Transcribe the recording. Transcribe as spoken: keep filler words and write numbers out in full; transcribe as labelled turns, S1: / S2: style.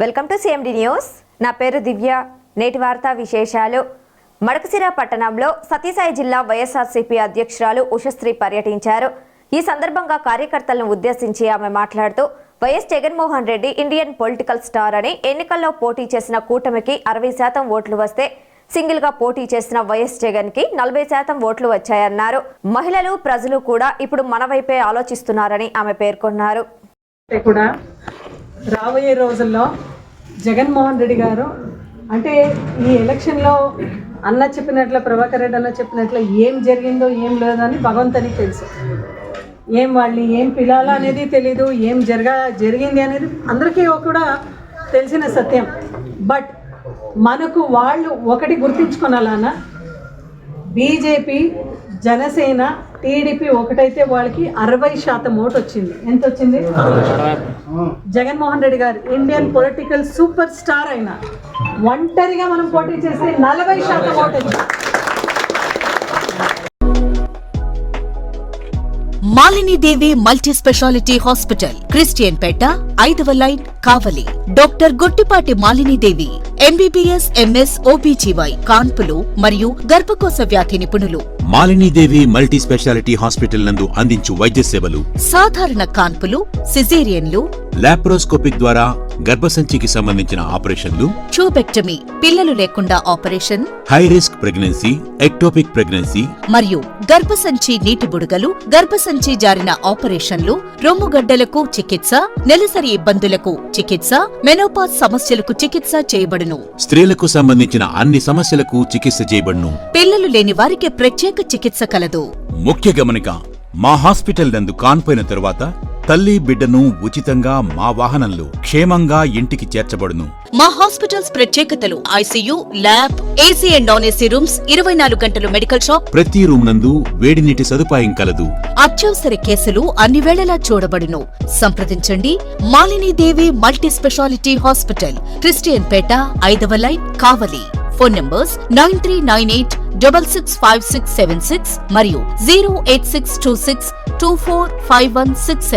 S1: Welcome to CMD news. నా పేరు దివ్య. నేటి వార్తా విశేషాలు. మడకసిర పట్టణంలో సత్యసాయి జిల్లా వైఎస్ఆర్సీపీ అధ్యక్షురాలు ఉషశ్రీ పర్యటించారు. ఈ సందర్భంగా కార్యకర్తలను ఉద్దేశించి ఆమె మాట్లాడుతూ YS Jaganmohan Reddy Indian political star అని, ఎన్నికల్లో పోటీ చేసిన కూటమికి అరవై శాతం ఓట్లు వస్తే సింగిల్ గా పోటీ చేసిన వైఎస్ జగన్ కి నలభై శాతం ఓట్లు వచ్చాయన్నారు. మహిళలు, ప్రజలు కూడా ఇప్పుడు మన వైపే ఆలోచిస్తున్నారని ఆమె పేర్కొన్నారు.
S2: రాబోయే రోజుల్లో జగన్మోహన్ రెడ్డి గారు అంటే ఈ ఎలక్షన్లో అన్న చెప్పినట్లు, ప్రభాకర్ రెడ్డి అన్న చెప్పినట్లు ఏం జరిగిందో ఏం లేదో అని భగవంతునికి తెలుసు. ఏం వాళ్ళు ఏం పిలాలా అనేది తెలీదు, ఏం జరగా జరిగింది అనేది అందరికీ కూడా తెలిసిన సత్యం. బట్ మనకు వాళ్ళు ఒకటి గుర్తించుకోనాలన్నా, బీజేపీ, జనసేన, టీడీపీ ఒకటైతే వాళ్ళకి అరవై శాతం ఓటు వచ్చింది. ఎంత వచ్చింది? జగన్మోహన్ రెడ్డి గారు ఇండియన్ పొలిటికల్ సూపర్ స్టార్ అయినా ఒంటరిగా మనం పోటీ చేస్తే నలభై శాతం ఓటు వచ్చింది.
S3: Malini Devi multi speciality hospital, Christian Peta, ఐదవ line, Kavali. Doctor Gottipati Malini Devi MBBS, MS, OBGY, కాన్పులు మరియు గర్భకోశ వ్యాధి నిపుణులు.
S4: మాలినీదేవి మల్టీ స్పెషాలిటీ హాస్పిటల్ నందు అందించు వైద్య సేవలు:
S3: సాధారణ కాన్పులు, సిజేరియన్లు,
S4: లాప్రోస్కోపిక్ ద్వారా గర్భసంచికి సంబంధించిన ఆపరేషన్లు,
S3: ట్యూబెక్టమీ, పిల్లలు లేకుండా operation,
S4: high risk pregnancy, ectopic pregnancy
S3: మరియు గర్భసంచి నీటి బుడగలు, గర్భసంచి జారిన ఆపరేషన్లు, రొమ్ముగడ్డలకు చికిత్స, నెలసరి ఇబ్బందులకు చికిత్స, మెనోపాజ్ సమస్యలకు చికిత్స చేయబడును.
S4: స్త్రీలకు సంబంధించిన అన్ని సమస్యలకు చికిత్స చేయబడును.
S3: పిల్లలు లేని వారికి ప్రత్యేక చికిత్స కలదు.
S4: ముఖ్య గమనిక: మా హాస్పిటల్ నందు కాన్పోయిన తరువాత తల్లి, బిడ్డను ఉచితంగా మా వాహనంలో క్షేమంగా ఇంటికి చేర్చబడును.
S3: మా హాస్పిటల్స్ ప్రత్యేకతలు: ICU, lab, AC and non AC rooms, ఇరవై నాలుగు గంటలు మెడికల్ షాప్,
S4: ప్రతి రూమ్ నందు వేడి నీటి సదుపాయం కలదు.
S3: అత్యవసర కేసులు అన్ని వేళలా చూడబడును. సంప్రదించండి. Malini Devi multi speciality hospital, Christian Peta, ఐదవ line, Kavali. Phone numbers nine three nine eight double six five six seven six మరియు zero eight six two six two four five one six.